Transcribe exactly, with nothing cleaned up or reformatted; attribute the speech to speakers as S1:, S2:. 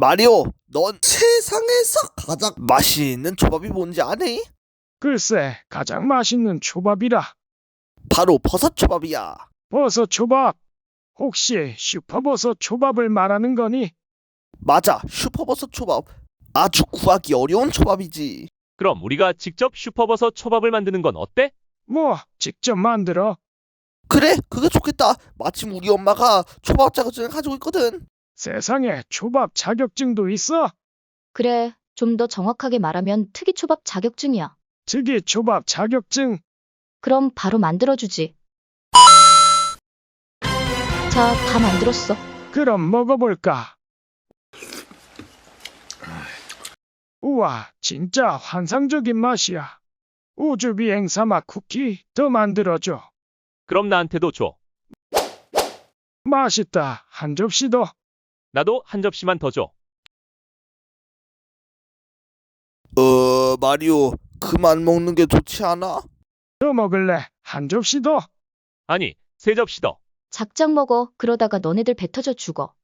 S1: 마리오, 넌 세상에서 가장 맛있는 초밥이 뭔지 아니?
S2: 글쎄, 가장 맛있는 초밥이라.
S1: 바로 버섯 초밥이야.
S2: 버섯 초밥. 혹시 슈퍼버섯 초밥을 말하는 거니?
S1: 맞아, 슈퍼버섯 초밥. 아주 구하기 어려운 초밥이지.
S3: 그럼 우리가 직접 슈퍼버섯 초밥을 만드는 건 어때?
S2: 뭐, 직접 만들어.
S1: 그래, 그게 좋겠다. 마침 우리 엄마가 초밥 자격증을 가지고 있거든.
S2: 세상에 초밥 자격증도 있어?
S4: 그래, 좀 더 정확하게 말하면 특이초밥 자격증이야.
S2: 특이 초밥 자격증.
S4: 그럼 바로 만들어주지. 자, 다 만들었어.
S2: 그럼 먹어볼까? 우와, 진짜 환상적인 맛이야. 우주 비행 사막 쿠키 더 만들어줘.
S3: 그럼 나한테도 줘.
S2: 맛있다. 한 접시 더.
S3: 나도 한 접시만 더 줘.
S1: 어, 마리오, 그만 먹는 게 좋지 않아?
S2: 더 먹을래? 한 접시 더.
S3: 아니, 세 접시 더.
S4: 작작 먹어. 그러다가 너네들 배 터져 죽어.